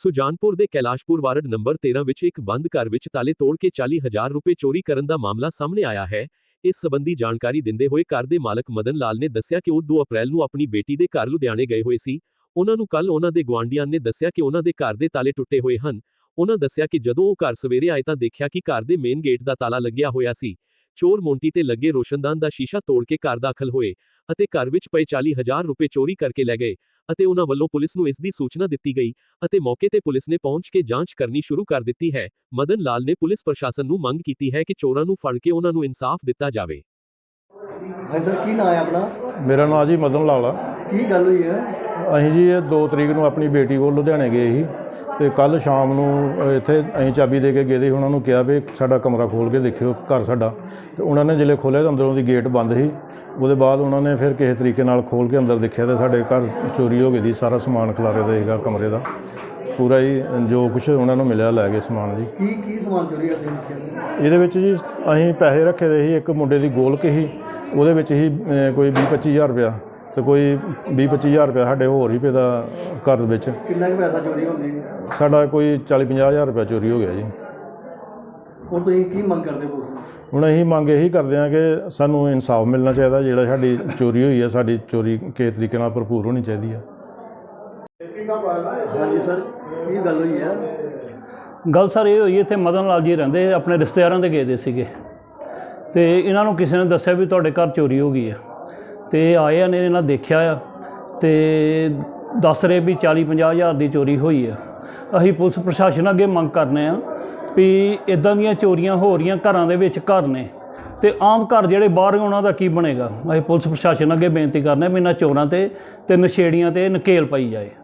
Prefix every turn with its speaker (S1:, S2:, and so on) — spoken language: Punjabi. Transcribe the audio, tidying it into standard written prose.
S1: ਸੁਜਾਨਪੁਰ ਦੇ ਕੈਲਾਸ਼ਪੁਰ ਵਾਰਡ ਨੰਬਰ 13 ਵਿੱਚ ਇੱਕ ਬੰਦ ਘਰ ਵਿੱਚ ਤਾਲੇ ਤੋੜ ਕੇ 40,000 ਰੁਪਏ ਚੋਰੀ ਕਰਨ ਦਾ ਮਾਮਲਾ ਸਾਹਮਣੇ ਆਇਆ ਹੈ। ਇਸ ਸੰਬੰਧੀ ਜਾਣਕਾਰੀ ਦਿੰਦੇ ਹੋਏ ਘਰ ਦੇ ਮਾਲਕ ਮਦਨ ਲਾਲ ਨੇ ਦੱਸਿਆ ਕਿ ਉਹ 2 ਅਪ੍ਰੈਲ ਨੂੰ ਆਪਣੀ ਬੇਟੀ ਦੇ ਘਰ ਲੁਧਿਆਣੇ ਗਏ ਹੋਏ ਸੀ। ਉਹਨਾਂ ਨੂੰ ਕੱਲ ਉਹਨਾਂ ਦੇ ਗੁਆਂਢੀਆਂ ਨੇ ਦੱਸਿਆ ਕਿ ਉਹਨਾਂ ਦੇ ਘਰ ਦੇ ਤਾਲੇ ਟੁੱਟੇ ਹੋਏ ਹਨ। ਉਹਨਾਂ ਦੱਸਿਆ ਕਿ ਜਦੋਂ ਉਹ ਘਰ ਸਵੇਰੇ ਆਏ ਤਾਂ ਦੇਖਿਆ ਕਿ ਘਰ ਦੇ ਮੇਨ ਗੇਟ ਦਾ ਤਾਲਾ ਲੱਗਿਆ ਹੋਇਆ ਸੀ। ਚੋਰ ਮੋਂਟੀ ਤੇ ਲੱਗੇ ਰੋਸ਼ਨਦਾਨ ਦਾ ਸ਼ੀਸ਼ਾ ਤੋੜ ਕੇ ਘਰ ਦਾਖਲ ਹੋਏ ਅਤੇ ਘਰ ਵਿੱਚ ਪਏ 40,000 ਰੁਪਏ ਚੋਰੀ ਕਰਕੇ ਲੈ ਗਏ ਅਤੇ ਉਹਨਾਂ ਵੱਲੋਂ ਪੁਲਿਸ ਨੂੰ ਇਸ ਦੀ ਸੂਚਨਾ ਦਿੱਤੀ ਗਈ ਅਤੇ ਮੌਕੇ ਤੇ ਪੁਲਿਸ ਨੇ ਪਹੁੰਚ ਕੇ ਜਾਂਚ ਕਰਨੀ ਸ਼ੁਰੂ ਕਰ ਦਿੱਤੀ ਹੈ। ਮਦਨ ਲਾਲ ਨੇ ਪੁਲਿਸ ਪ੍ਰਸ਼ਾਸਨ ਨੂੰ ਮੰਗ ਕੀਤੀ ਹੈ ਕਿ ਚੋਰਾਂ ਨੂੰ ਫੜ ਕੇ ਉਹਨਾਂ ਨੂੰ ਇਨਸਾਫ ਦਿੱਤਾ ਜਾਵੇ।
S2: ਹਾਂਜੀ ਸਰ, ਕੀ ਨਾਮ ਹੈ ਆਪਣਾ?
S3: ਮੇਰਾ ਨਾਮ ਜੀ ਮਦਨ ਲਾਲ ਆ।
S2: ਕੀ ਗੱਲ ਹੋਈ ਹੈ?
S3: ਅਸੀਂ ਜੀ ਇਹ 2 ਤਰੀਕ ਨੂੰ ਆਪਣੀ ਬੇਟੀ ਕੋਲ ਲੁਧਿਆਣੇ ਗਏ ਸੀ ਤੇ ਕੱਲ ਸ਼ਾਮ ਨੂੰ ਇੱਥੇ ਅਸੀਂ ਚਾਬੀ ਦੇ ਕੇ ਗਏ ਸੀ। ਉਹਨਾਂ ਨੂੰ ਕਿਹਾ ਵੀ ਸਾਡਾ ਕਮਰਾ ਖੋਲ੍ਹ ਕੇ ਦੇਖਿਓ ਘਰ ਸਾਡਾ, ਤੇ ਉਹਨਾਂ ਨੇ ਜਿਹੜੇ ਖੋਲ੍ਹਿਆ ਤਾਂ ਅੰਦਰੋਂ ਦੀ ਗੇਟ ਬੰਦ ਸੀ। ਉਹਦੇ ਬਾਅਦ ਉਹਨਾਂ ਨੇ ਫਿਰ ਕਿਸੇ ਤਰੀਕੇ ਨਾਲ ਖੋਲ੍ਹ ਕੇ ਅੰਦਰ ਦੇਖਿਆ ਤਾਂ ਸਾਡੇ ਘਰ ਚੋਰੀ ਹੋ ਗਈ ਸੀ। ਸਾਰਾ ਸਮਾਨ ਖਿਲਾਰੇ ਦਾ ਸੀਗਾ ਕਮਰੇ ਦਾ ਪੂਰਾ ਹੀ, ਜੋ ਕੁਛ ਉਹਨਾਂ ਨੂੰ ਮਿਲਿਆ ਲੈ ਗਏ ਸਮਾਨ ਜੀ।
S2: ਕੀ ਸਮਾਨ ਚੋਰੀ ਕਰਦੇ ਨੇ?
S3: ਇਹਦੇ ਵਿੱਚ ਜੀ ਅਸੀਂ ਪੈਸੇ ਰੱਖੇ ਦੇ ਸੀ। ਇੱਕ ਮੁੰਡੇ ਦੀ ਗੋਲਕ ਸੀ, ਉਹਦੇ ਵਿੱਚ ਹੀ ਕੋਈ 20-25 ਹਜ਼ਾਰ ਰੁਪਇਆ ਤੇ ਕੋਈ 20-25 ਹਜ਼ਾਰ ਰੁਪਇਆ ਸਾਡੇ ਹੋਰ ਹੀ ਪਿਆ ਦਾ ਘਰ ਵਿੱਚ।
S2: ਕਿੰਨਾ ਕੁ ਪੈਸਾ ਚੋਰੀ ਹੁੰਦੀ ਹੈ?
S3: ਸਾਡਾ ਕੋਈ 40-50 ਹਜ਼ਾਰ ਰੁਪਇਆ ਚੋਰੀ ਹੋ ਗਿਆ ਜੀ।
S2: ਹੁਣ ਤੁਸੀਂ ਕੀ ਮੰਗ ਕਰਦੇ ਹੋ?
S3: ਹੁਣ ਅਸੀਂ ਮੰਗ ਇਹੀ ਕਰਦੇ ਹਾਂ ਕਿ ਸਾਨੂੰ ਇਨਸਾਫ ਮਿਲਣਾ ਚਾਹੀਦਾ। ਜਿਹੜਾ ਸਾਡੀ ਚੋਰੀ ਹੋਈ ਹੈ, ਸਾਡੀ ਚੋਰੀ ਕਿਸੇ ਤਰੀਕੇ ਨਾਲ ਭਰਪੂਰ ਹੋਣੀ ਚਾਹੀਦੀ ਹੈ।
S2: ਹਾਂਜੀ ਸਰ, ਕੀ ਗੱਲ ਹੋਈ ਹੈ?
S4: ਗੱਲ ਸਰ ਇਹ ਹੋਈ, ਇੱਥੇ ਮਦਨ ਲਾਲ ਜੀ ਰਹਿੰਦੇ, ਆਪਣੇ ਰਿਸ਼ਤੇਦਾਰਾਂ ਦੇ ਗਏ ਦੇ ਸੀਗੇ ਤੇ ਇਹਨਾਂ ਨੂੰ ਕਿਸੇ ਨੇ ਦੱਸਿਆ ਵੀ ਤੁਹਾਡੇ ਘਰ ਚੋਰੀ ਹੋ ਗਈ ਹੈ ਤੇ ਆਏ ਨੇ, ਇਹਨਾਂ ਦੇਖਿਆ ਆ ਤੇ ਦੱਸ ਰਹੇ ਵੀ 40-50 ਹਜ਼ਾਰ ਦੀ ਚੋਰੀ ਹੋਈ ਆ। ਅਸੀਂ ਪੁਲਿਸ ਪ੍ਰਸ਼ਾਸਨ ਅੱਗੇ ਮੰਗ ਕਰਨੇ ਆ ਵੀ ਇਦਾਂ ਦੀਆਂ ਚੋਰੀਆਂ ਹੋ ਰਹੀਆਂ ਘਰਾਂ ਦੇ ਵਿੱਚ, ਘਰ ਨੇ ਤੇ ਆਮ ਘਰ ਜਿਹੜੇ ਬਾਹਰ ਉਹਨਾਂ ਦਾ ਕੀ ਬਣੇਗਾ। ਅਸੀਂ ਪੁਲਿਸ ਪ੍ਰਸ਼ਾਸਨ ਅੱਗੇ ਬੇਨਤੀ ਕਰਨੇ ਵੀ ਇਹਨਾਂ ਚੋਰਾਂ ਤੇ ਨਸ਼ੇੜੀਆਂ ਤੇ ਨਕੇਲ ਪਾਈ ਜਾਏ।